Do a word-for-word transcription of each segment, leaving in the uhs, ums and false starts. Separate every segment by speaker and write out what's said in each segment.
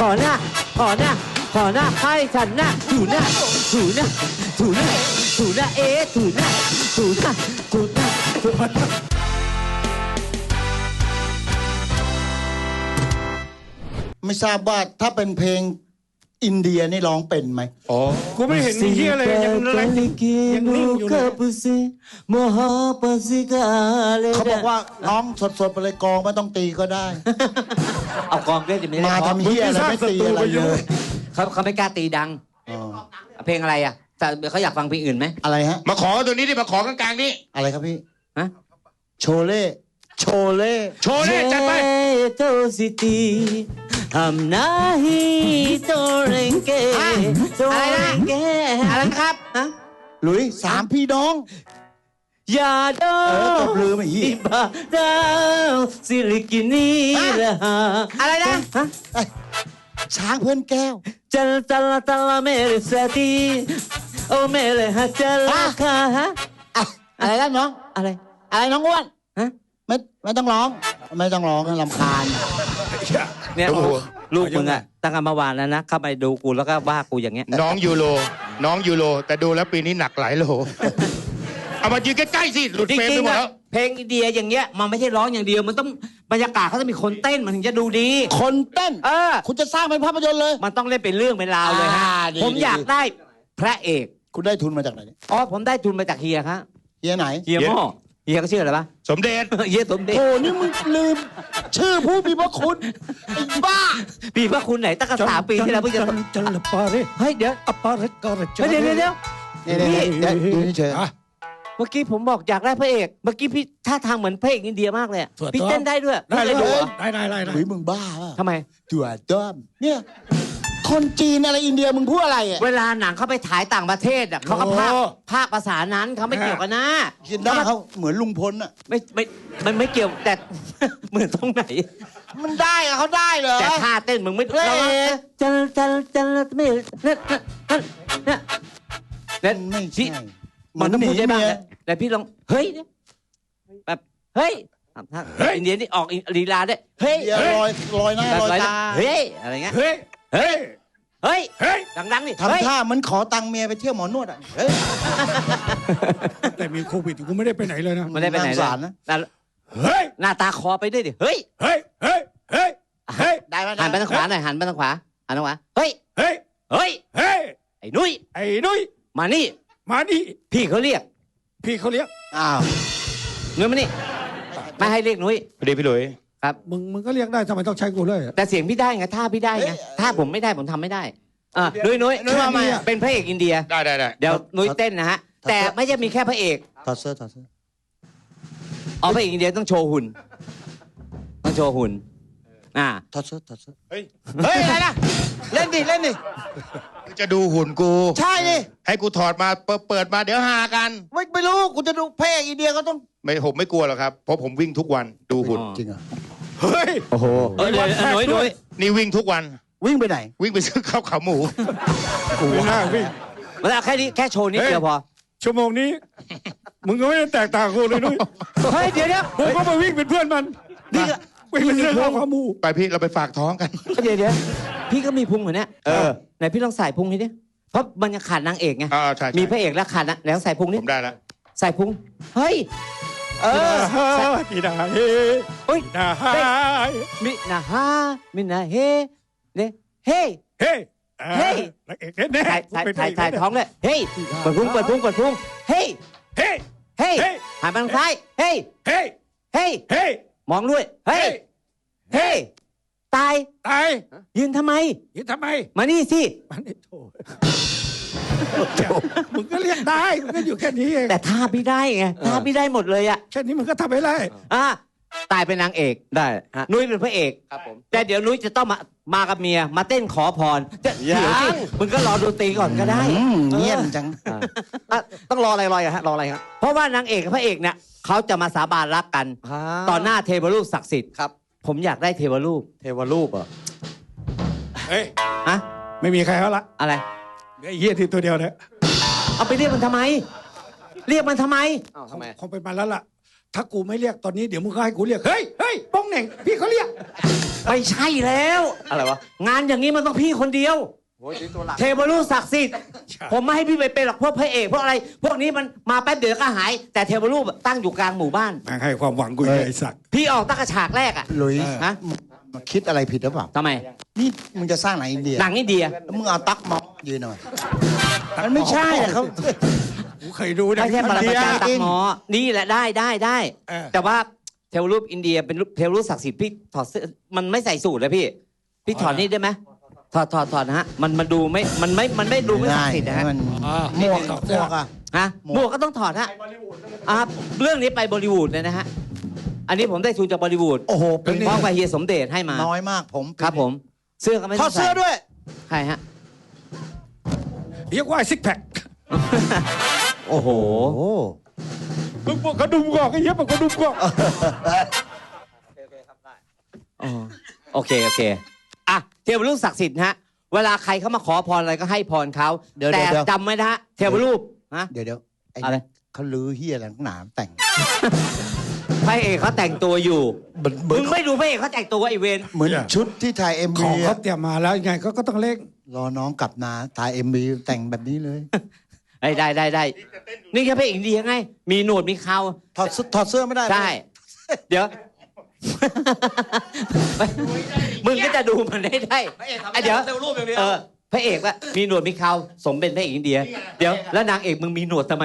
Speaker 1: ขอหน้าขอหน้าขอหน้าให้ฉันหน้าถูหน้าถูหน้าถูหน้าถูหน้าเอ๊ะถูหน้าถูหน้าถูหน้าถูหน้า
Speaker 2: ไม่ทราบว่าถ้าเป็นเพลงอินเดียนี่ร้องเป็นไหม
Speaker 3: อ๋อกูไม่เห็นมีเหี้ยอะไรยังอะไรยังนิ่งอยู่เลย
Speaker 2: เขาบอกว่าน้องสดๆไปเลยกองไม่ต้องตีก็ได้
Speaker 1: เอากองเล่นจะไม่ได้
Speaker 2: มาทำเหี้ยอะไรไม่ตีอะไรเลย
Speaker 1: เขาเขาไม่กล้าตีดังเพลงอะไรอ่ะแต่เขาอยากฟังเพลงอื่นไหม
Speaker 2: อะไรฮะ
Speaker 3: มาขอตัวนี้ดิมาขอกลางๆนี่
Speaker 2: อะไรครับพี่
Speaker 1: ฮะ
Speaker 2: โชเล่โชเล่
Speaker 3: โชเล่จัดไป
Speaker 1: हम नहीं तोड़ेंगे อะไรนะอะไรครับฮะ
Speaker 2: หลุยสามพี่น้อง
Speaker 1: อย่าดอ
Speaker 2: ตบลืมไอ้เหี้ย
Speaker 1: ดาวสิริกินีระหาอะไรนะฮะ
Speaker 2: ช้างเพื่อนแก้ว
Speaker 1: จัลจัลจัลเมรสตีโอเมรฮัจลคาฮะ
Speaker 2: อะไรนะน้อง
Speaker 1: อะไร
Speaker 2: อะไรน้องอ้วน
Speaker 1: ฮะ
Speaker 2: ไม่ไม่ต้องร้องไม่ต้องร้องรำคาญ
Speaker 1: เนี่ยลูกมึงอะตั้งแต่เมื่อวานแล้วนะเข้าไปดูกูแล้วก็ว่ากูอย่างเงี้ย
Speaker 3: น้องยูโรน้องยูโรแต่ดูแล้วปีนี้หนักหลายโลเอามายืนใกล้ๆสิหลุดเฟรมไปหมดแล้ว
Speaker 1: เพลงอินเดียอย่างเงี้ยมันไม่ใช่ร้องอย่างเดียวมันต้องบรรยากาศเขาต้องมีคนเต้นมันถึงจะดูดี
Speaker 2: คนเต้น
Speaker 1: เออ
Speaker 2: คุณจะสร้างเป็นภาพยนตร์เลย
Speaker 1: มันต้องเล่นเป็นเรื่องเป็นราวเลยฮะผมอยากได้พระเอก
Speaker 2: คุณได้ทุนมาจากไหน
Speaker 1: อ๋อผมได้ทุนมาจากเฮียครับ
Speaker 2: เฮียไหน
Speaker 1: เฮียหม้อเฮียก็ชื่ออะไรปะ
Speaker 3: สมเด็จ
Speaker 1: เฮียสมเด็จ
Speaker 2: โอ้นี่มึงลืมชื่อผู้มีพระคุณไอ้บ้า
Speaker 1: มีพระคุณไหนตั้งแต่สามปีที่แล้วเพิ่งจะ
Speaker 4: จัลปาเร
Speaker 1: เฮ้ยเดี๋ยว
Speaker 4: อปาเรกอร
Speaker 1: เดี๋ยวเดี๋ยวเดี๋ยว
Speaker 2: นี่เดี๋ยวดูนี่เฉย
Speaker 1: เมื่อกี้ผมบอกอยากได้พระเอกเมื่อกี้พี่ท่าทางเหมือนพระเอกอินเดียมากเลยพี่เต้นได้ด้วย
Speaker 4: ได้เลยได้ได้ได้
Speaker 2: หรือมึงบ้า
Speaker 1: ทำไม
Speaker 2: ตัวด้อมเนี่ยคนจีนอะไรอินเดียมึงพูดอะไรอ่ะ
Speaker 1: เวลาหนังเขาไปถ่ายต่างประเทศอ่ะเขาก็ภาคภาคภาษานั้นเขาไม่เกี่ยวกันนะ
Speaker 2: กินได้เขาเหมือนลุงพลอ่ะ
Speaker 1: ไม่ไม่มันไม่เกี่ยวแต่เหมือนตรงไหน
Speaker 2: มันได้อะเขาได้เหรอ
Speaker 1: แต่ท่าเต้นมึงไม่เราจันจันจันไม่เนี่ยเนี่ยเนี่ย
Speaker 2: ไม่ใช่
Speaker 1: มันต้องพูดได้บ้างแต่พี่ลองเฮ้ยแบบเฮ้ยอินเดียนี่ออกลีลาได้เฮ้ย
Speaker 2: ลอยลอยหน้าลอยตา
Speaker 1: เฮ้ยอะไรเงี้ย
Speaker 3: เฮ้ยเฮ้ย
Speaker 1: เฮ้ยเฮ้ยดังๆนี่
Speaker 2: ทำท่ามันขอตังค์เมียไปเที่ยวหมอนวดอ่ะเฮ้ย
Speaker 4: แต่มีโควิดกูไม่ได้ไปไหนเลยนะ
Speaker 1: ไม่ได้ไปไหน
Speaker 2: สารนะ
Speaker 3: เฮ้ย
Speaker 1: หน้าตาคอไปด้วยดิเฮ้ย
Speaker 3: เฮ้ยเฮ้ยเฮ้ยเฮ้ย
Speaker 2: ได้ไหม
Speaker 1: หันไปทางขวาหน่อยหันไปทางขวาหันทางขวาเฮ้ย
Speaker 3: เฮ้ย
Speaker 1: เฮ้ย
Speaker 3: เฮ้ย
Speaker 1: ไอ้นุ้ย
Speaker 3: ไอ้นุ้ย
Speaker 1: มานี่
Speaker 3: มานี่
Speaker 1: พี่เขาเรียก
Speaker 3: พี่เขาเรียก
Speaker 2: อ้าว
Speaker 1: นุ้ยมานี่ไม่ให้เรียกนุ้ย
Speaker 3: พอดีพี่หลุย
Speaker 1: ครับ
Speaker 4: มึงมึงก็เรียกได้ทำไมต้องใช้กูเลย
Speaker 1: แต่เสียงพี่ได้ไงท่าพี่ได้ไงท่าผมไม่ได้ผมทำไม่ได้อ่ะนุ้ยนุ้ยนุ้ยมามาเป็นพระเอกอินเดีย
Speaker 3: ได้ได้ได้
Speaker 1: เดี๋ยวนุ้ยเต้นนะฮะแต่ไม่ใช่มีแค่พระเอก
Speaker 2: ถอดเสื้อถอดเสื้อ
Speaker 1: อ๋อพระเอกอินเดียต้องโชว์หุ่นต้องโชว์หุ่นอ่า
Speaker 2: ถอดเสื้อถอดเสื้อ
Speaker 3: เฮ้ย
Speaker 2: เฮ้ยอะไรนะเล่นดิเล่นดิ
Speaker 3: จะดูหุ่นกู
Speaker 2: ใช่ดิ
Speaker 3: ให้กูถอดมาเปิดมาเดี๋ยวหากัน
Speaker 2: ไม่ไม่รู้กูจะดูพระเอกอินเดียก็ต้อง
Speaker 3: ไม่ผมไม่กลัวหรอกครับเพราะผมวิ่งทุกวันดูหุ่น
Speaker 2: จริงเหรอ
Speaker 3: เฮ้ย
Speaker 1: โอ้โหเออนุ้ยนุ้ย
Speaker 3: นี่วิ่งทุกวัน
Speaker 2: วิ่งไปไหน
Speaker 3: วิ่งไปซื้อข้าวขาหมู
Speaker 4: กูน่าวิ่ง
Speaker 1: มาแล้วแค่นี้แค่โชว์นิดเดียวพอ
Speaker 4: ชั่วโมงนี้มึงก็ไม่ได้แตกต่างกูเลยนุ้ย
Speaker 1: เฮ้ยเดี๋ยวเดี๋ยว
Speaker 4: ผมก็มาวิ่งเป็นเพื่อนมัน
Speaker 1: นี่
Speaker 4: วิ่งเป็นเรื่องข้าวขาหมู
Speaker 3: ไปพี่เราไปฝากท้องกัน
Speaker 1: เดี๋ยวเดี๋ยวพี่ก็มีพุงเหมือนเนี้ยเออไหนพี่ลองใส่พุงให้ดิเพราะมันยังขาดนางเอกไงมีพระเอกแล้วขาดนะแล้วใส่พุงนี่
Speaker 3: ผมได้แล้ว
Speaker 1: ใส่พุงเฮ้ยเออ
Speaker 4: มินาเฮ
Speaker 1: โอ้ย
Speaker 4: นาฮา
Speaker 1: มินาฮามินาเฮเนี่ยเฮ้
Speaker 4: เฮ้
Speaker 1: เฮ้
Speaker 4: ถ่าย
Speaker 1: ถ่ายถ่ายถ่ายท้องเลยเฮ้ยเปิดพุงเปิดพุงเปิดพุงเฮ้ย
Speaker 3: เฮ้
Speaker 1: เฮ้ยหันไปทางซ้ายเฮ้ย
Speaker 3: เฮ้ย
Speaker 1: เฮ้ย
Speaker 3: เฮ้ย
Speaker 1: มองด้วยเฮ้ยเฮ้ยตาย
Speaker 3: ตาย
Speaker 1: ยืนทำไม
Speaker 3: ยืนทำไม
Speaker 1: มานี่สิ
Speaker 4: มานี่โถมึงก็เรียกได้มึงก็อยู่แค่นี้เอง
Speaker 1: แต่ท่าพี่ได้ไงท่าพี่ได้หมดเลยอะ
Speaker 4: แค่นี้มึงก็ทำไม่ได้
Speaker 1: อ่ะตายเป็นนางเอกได้นุ้ยเป็นพระเอกครับผมแต่เดี๋ยวนุ้ยจะต้องมามากับเมียมาเต้นขอพรเดี๋ยวสิมึงก็รอดนตรีก่อนก็ได้
Speaker 2: เงียบจัง
Speaker 1: ต้องรออะไรรออะฮะรออะไรครับเพราะว่านางเอกกับพระเอกเนี่ยเขาจะมาสาบานรักกันต่อหน้าเทวรูปศักดิ์สิทธิ์ครับผมอยากได้เทวรูปเทวรูปเหรอ
Speaker 3: เฮ้ย
Speaker 1: ฮะ
Speaker 4: ไม่มีใครแล้วละ
Speaker 1: อะไร
Speaker 4: ไอ้เหี้ยที่ตัวเดียวเนี่ย
Speaker 1: เอาไปเรียกมันทำไมเรียกมันทำไม
Speaker 4: อ้าวทำไมคงเป็นมาแล้วล่ะถ้ากูไม่เรียกตอนนี้เดี๋ยวมึงก็ให้กูเรียกเฮ้ยเฮ้ยป้องเหน่งพี่เขาเรียก
Speaker 1: ไม่ใช่แล้วอะไรวะงานอย่างนี้มันต้องพี่คนเดียวเทวรูปศักดิ์สิทธิ์ผมไม่ให้พี่ไปเป็นหรอกพวกพระเอกพวกอะไร พวกนี้มันมาแป๊บเดียวก็หาย แต่เทวรูปตั้งอยู่กลางหมู่บ้าน
Speaker 4: แม่งให้ความหวังกูไอ้สัก
Speaker 1: พี่ออกตั้งแต่ฉากแรกอะ
Speaker 2: หลุย
Speaker 1: ฮะ
Speaker 2: คิดอะไรผิดหรือเปล่า
Speaker 1: ทำไม
Speaker 2: นี่มึงจะสร้างหนังอินเดีย
Speaker 1: หนังอินเดีย
Speaker 2: แล้วมึงเอาตั๊กมองยืนหน่อยมันไม่ใช่อะเขา
Speaker 4: กูเคยดูนะ
Speaker 1: ไม่ใช่ปรมาจารย์ตักหมอ นี่แหละได้ได้ได้
Speaker 4: เออ
Speaker 1: แต่ว่าเทวรูปอินเดียเป็นรูปเทวรูปศักดิ์สิทธิ์พี่ถอดเสื้อมันไม่ใส่สูทเลยพี่ พี่ถอดนี่ได้ไหมถอดถอดถอดนะฮะมันมันดูไม่มันไม่มันไม่ดูไม่ศักดิ์สิทธิ์นะฮะ
Speaker 2: มัน
Speaker 4: อ่า
Speaker 2: หมวกกับหมวกอะ
Speaker 1: ฮะหมวกก็ต้องถอดฮะอ่าเรื่องนี้ไปบอลิวูดเลยนะฮะอันนี้ผมได้ทุนจากบอลิวูด
Speaker 2: โอ้โห
Speaker 1: เป็นพ่อกับเฮียสมเด็จให้มา
Speaker 2: น้อยมากผม
Speaker 1: ครับผม เสื้อก็ไม่
Speaker 2: ถ
Speaker 1: ต้
Speaker 2: อ
Speaker 1: อ
Speaker 2: ด
Speaker 1: ง
Speaker 2: เสื้
Speaker 1: ใส่
Speaker 2: อด้วย
Speaker 1: ใช่ฮะ
Speaker 4: เรียกว่าซิกแพค
Speaker 1: โอ้โห
Speaker 2: โอ้
Speaker 4: มึงบอกกระดุมกอกไอ้เหี้ยบอกกระดุมกอก
Speaker 1: อ๋อโอเค โอเค อ่ะ เทวรูปศักดิ์สิทธิ์ฮะ เวลาใครเขามาขอพรอะไรก็ให้พรเขา
Speaker 2: เดี๋ยว
Speaker 1: แต่
Speaker 2: เดี๋ยว
Speaker 1: จำไว้นะฮะ เทวรูปฮะ
Speaker 2: เดี๋ยวเดี๋ยวไอ้
Speaker 1: อะไร
Speaker 2: เขาลือเฮียอะไรนักหนาแต่ง
Speaker 1: พระเอกเขาแต่งตัวอยู่
Speaker 2: เหมือนเหมื
Speaker 1: มึ
Speaker 2: อน
Speaker 1: งไม่ดูพระเอกเขาแต่งตัวไอเวน
Speaker 2: เหมือนชุดที่ถ่ายเอ็ม
Speaker 4: ข
Speaker 2: วี
Speaker 4: องเขาเตรียมมาแล้วยังไงก็ก็ต้องเล่ง
Speaker 2: รอน้องกลับนาถ่ายเอ็มวีแต่งแบบนี้เลย
Speaker 1: ได้ได้ได้ได้ นี่แค่พระเอกอินเดียไง มีหนวดมีเขา
Speaker 2: ถอดเสื้อถอดเสื้อไม่ได้
Speaker 1: ใช่ เดี๋ยว มึงก็จะดูมันได้ได้ไอเดี๋ยวเออพระเอกว่ามีหนวดมีเขาสมเป็นพระเอกอินเดีย เดี๋ยวแล้วนางเอกมึงมีหนวดทำไม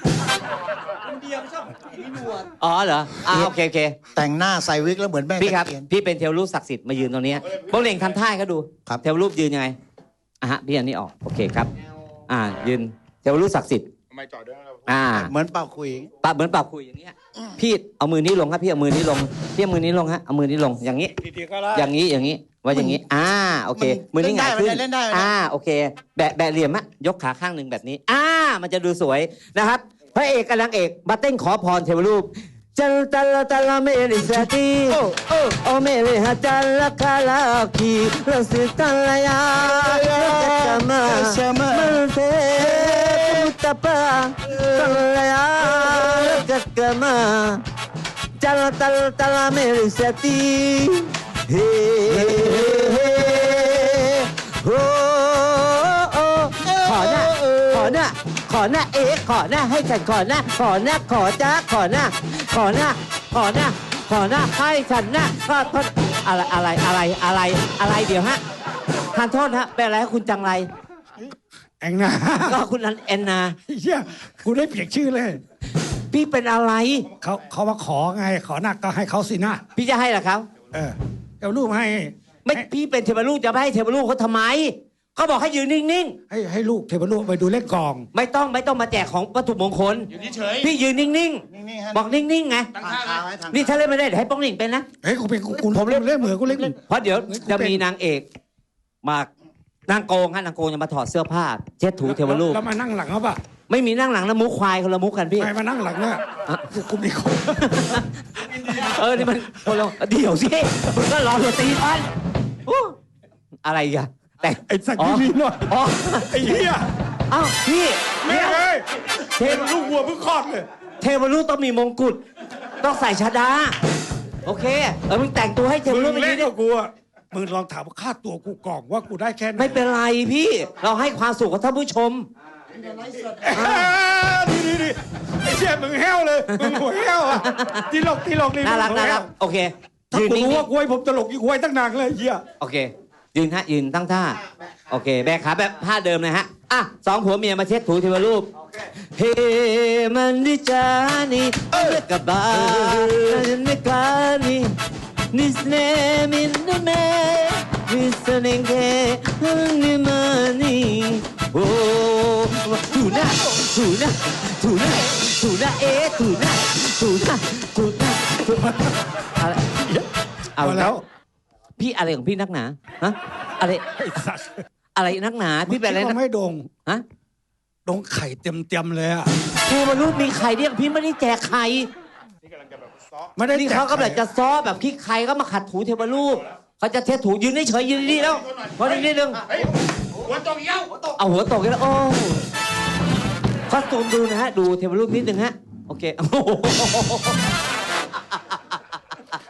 Speaker 1: อ๋อเหรออ่าโอเคโอเค
Speaker 2: แต่งหน้าใส่วิกแล้วเหมือนแม่
Speaker 1: พี่ครับ
Speaker 2: ตะเกียน
Speaker 1: พี่เป็นเทวรูปศักดิ์สิทธิ์มายืนตรงนี้โป้งเหน่งทำท่าให้เขาดู
Speaker 2: ครับ
Speaker 1: เทวรูปยืนยังไงอ่ะฮะพี่อันนี้ออกโอเคครับ อ่า ยืนเทวรูปศักดิ์สิทธิ์
Speaker 3: ทำไมจอดด้วยเรา
Speaker 1: อ่า
Speaker 2: เหมือนเป่าคุย
Speaker 1: ปะเหมือนปรับคุยอย่างเงี้ยพี่เอามือนี้ลงครับพี่เอามือนี้ลงพี่เอามือนี้ลงฮะเอามือนี้ลงอย่างนี้
Speaker 4: ทีๆก็ได้
Speaker 1: อย่างนี้อย่างนี้ว่าอย่างนี้ อ่าโอเค มือนี้หงายขึ้น
Speaker 2: เล่นได้ไหม
Speaker 1: อ่าโอเค แบะแบะเหลี่ยมอะยกขาข้างหนึ่งแบบนี้ อ่า มันจะดูสวยนะครับ พระเอกกับนางเอกมาเต้นขอพรเทวรูปจัลตัลตัลเมริสติโอโอเมริฮัจัลลคาลาคีลสิตัลยาจัมมามันเตมุตตะปาตัลยากักมา จัลตัลตัลเมริสติเฮ้เฮ้โอ้โอ้ขอหน้าขอหน้าขอหน้าเอ๊ะขอหน้าให้ฉันขอหน้าขอหน้าขอจ้าขอหน้าขอหน้าขอหน้าขอหน้าให้ฉันหน้าก็โทษอะไรอะไรอะไรอะไรอะไรเดี๋ยวฮะทานโทษฮะเป็นอะไรให้คุณจังไร
Speaker 4: แองนา
Speaker 1: ก็คุณนันแอนนา
Speaker 4: เฮียกูได้เปลี่ยนชื่อเลย
Speaker 1: พี่เป็นอะไร
Speaker 4: เขาเขามาขอไงขอหนักก็ให้เขาสินะ
Speaker 1: พี่จะให้เหรอครับ
Speaker 4: เออเอารูปให้
Speaker 1: ไม่พี่เป็นเทวรูปจะไม่ให้เทวรูปเขาทำไมเขาบอกให้ยืนนิ่ง
Speaker 4: ให้ให้ลูกเทวรูปไปดูเล่นกอง
Speaker 1: ๆไม่ต้องไม่ต้องมาแจกของวัตถุมงคล
Speaker 3: อยู่เฉย
Speaker 1: พี่ยืนนิ่ง
Speaker 2: นิ่งๆฮะ
Speaker 1: ๆ บอกนิ่งๆไง
Speaker 3: ตั้งท่าไว้
Speaker 1: นี่ถ้าเล่นไม่ได้เดี๋ยวให้ป้องหนิงเป็นนะ
Speaker 4: เฮ้ยกูเป็นกูกูผมเล่นเล่นเหมือนกูเล่น
Speaker 1: เพราะเดี๋ยว
Speaker 4: เฮ้ยกู
Speaker 1: จะ
Speaker 4: เป็น
Speaker 1: มีนางเอกมานางโกงฮะนางโกงจะมาถอดเสื้อผ้าเช็ดถูเทวรูป
Speaker 4: แล้วมานั่งหลังเขาปะ
Speaker 1: ไม่มีนั่งหลังนะมุกควายคนละมุกกันพี่
Speaker 4: ไม่มานั่งหลังเนี่ย
Speaker 1: อ่ะ
Speaker 4: กูกูมีคน
Speaker 1: เออนี่มันคนละเดี๋ยวสิมึงก็รอตัวตีมันอู้อะไรอีกอะแต่
Speaker 4: ไอ้สัก
Speaker 1: อ๋อ
Speaker 4: ที่นี่หน่อย
Speaker 1: อ๋อ
Speaker 4: ไอ้เหี้ย
Speaker 1: เอ้าพี่
Speaker 4: แม่
Speaker 1: เดี๋ยว
Speaker 4: เอ้ย
Speaker 1: เทว
Speaker 4: ลูกวัวเพิ่งคลอดเลย
Speaker 1: เทวรูปต้องมีมงกุฎต้องใส่ชดาโอเคเออมึงแต่งตัวให้เทว
Speaker 4: มึ
Speaker 1: รูป
Speaker 4: ง
Speaker 1: ไป
Speaker 4: เล่
Speaker 1: ดี
Speaker 4: น
Speaker 1: ดิ
Speaker 4: กับกูอะมึงลองถามว่าค่าตัวกูกล่องว่ากูได้แค่ไหน
Speaker 1: ไม่เป็นไรพี่ เราให้ความสุขกับท่านผู้ชม
Speaker 4: อ่าดีดีดีไอ้เชี่ยมึงแห้วเลยมึงหัวแห้วอ่ะตีหลอกตีหลอกนี่
Speaker 1: น่ารัก
Speaker 4: มึงหัว
Speaker 1: น่า
Speaker 4: แห้
Speaker 1: รั
Speaker 4: ว
Speaker 1: กโอเค
Speaker 4: ถ้า
Speaker 1: ยืน
Speaker 4: กู
Speaker 1: นิ่ง
Speaker 4: รู้ว่ากูให้ผมตลกยี่กูให้ตั้งนานเลยไอ้เหี้ย
Speaker 1: ๆโอเค ยืนฮะยืนตั้งท่า โอเค แบกขาแบบท่าเดิมเลยฮะ อ่ะสองผัวเมียมาเช็ดถูเทวรูป เฮมันดิจานีเอ้กบานิกานีนิสเนมินเมมิสเนเกนิมานีโอ้ถูหน้าถูหน้าถูหน้าถูหน้าเอ๊ะถูหน้าถูหน้าถูหน้าถูหน้าอะไรเอา
Speaker 4: เอาแล้ว
Speaker 1: พี่อะไรของพี่นักหนาฮะอะไร
Speaker 4: ไอ้สัส
Speaker 1: อะไรนักหนาพี่เป็นอะไร
Speaker 4: มึงคิด
Speaker 1: นั
Speaker 4: ว่าก ไม่โดง
Speaker 1: ฮะ
Speaker 4: โดงไข่เต็มเต็มๆเลยอ่ะ
Speaker 1: เทวรูปมีไข่เรียกพี่ไม่ได้แจกไข่
Speaker 4: ไม่ได้
Speaker 1: นี่เขาก็แบบจะซ้อแบบขี้ไข่ก็มาขัดถูเทวรูปเขาจะเทถูยืนเฉยๆยืนดีๆแล้วพอดีนิดนึง
Speaker 3: เฮ้ยหัวตรงเย้าหัวตก
Speaker 1: เอาหัวตกแล้วโอ้คอสตูมดูนะฮะดูเทวรูปนิดนึงฮะโอเคโอ้โห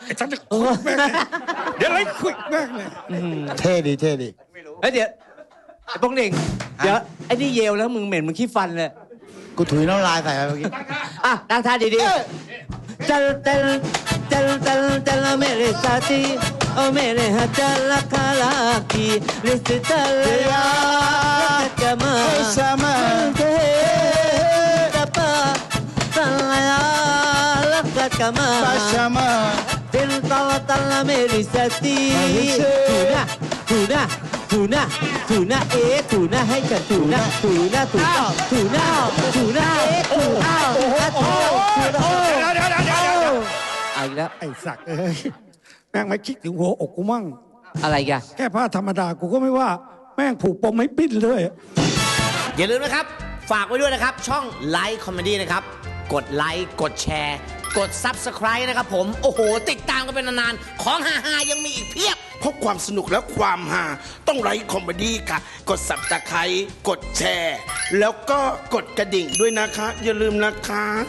Speaker 4: ไอ้ฉันจะคุยแม่งเลยเดี๋ยวไล่คุยแม่งเลย
Speaker 2: เท่ดีเท่ดี
Speaker 1: เฮ้ยเดี๋ยวไอ้โป้งเหน่งเดี๋ยวไอ้นี่เยลแล้วมึงเหม็นมึงขี้ฟันเลย
Speaker 2: กูถุยน้ำลายใส่ไปเมื่อกี้
Speaker 1: อ่ะตั้งท่าดีๆจัลจัลจัลจัลจัลเมเรซาตีโอเมเรฮะจัลคาลาคีลิสตัลยาจามา
Speaker 2: sama
Speaker 1: เทตะปาตัลยาลักกะมา
Speaker 2: sama
Speaker 1: Del tala tala merisati Tuna Tuna Tuna Tuna eh Tuna ให้ฉัน Tuna Tuna Tuna Tuna Tuna เอ๊ะ Tuna
Speaker 4: โอ้โห
Speaker 1: Tuna
Speaker 4: เดี๋ยวเดี๋ยวเดี๋ยวเดี๋ยวเดี๋ยว
Speaker 1: เอาอีกแล้ว
Speaker 4: ไอ้สักเอ้ยแม่งไม่คิดถึงหัวอกกูมั่ง
Speaker 1: อะไรกัน
Speaker 4: แค่ผ้าธรรมดากูก็ไม่ว่า แม่งผูกปมไม่ปิ้นเลย
Speaker 5: อย่าลืมนะครับ ฝากไว้ด้วยนะครับ ช่องไลค์คอมเมดี้นะครับ กดไลค์กดแชร์ กด Subscribe นะครับผม โอ้โห ติดตามกันเป็นนานๆ ของฮาๆยังมีอีกเพียบ
Speaker 6: เพราะความสนุกและความฮาต้องไลค์คอมเมดี้ค่ะ กดสับตะไคร้กดแชร์ แล้วก็กดกระดิ่งด้วยนะคะ อย่าลืมนะคะ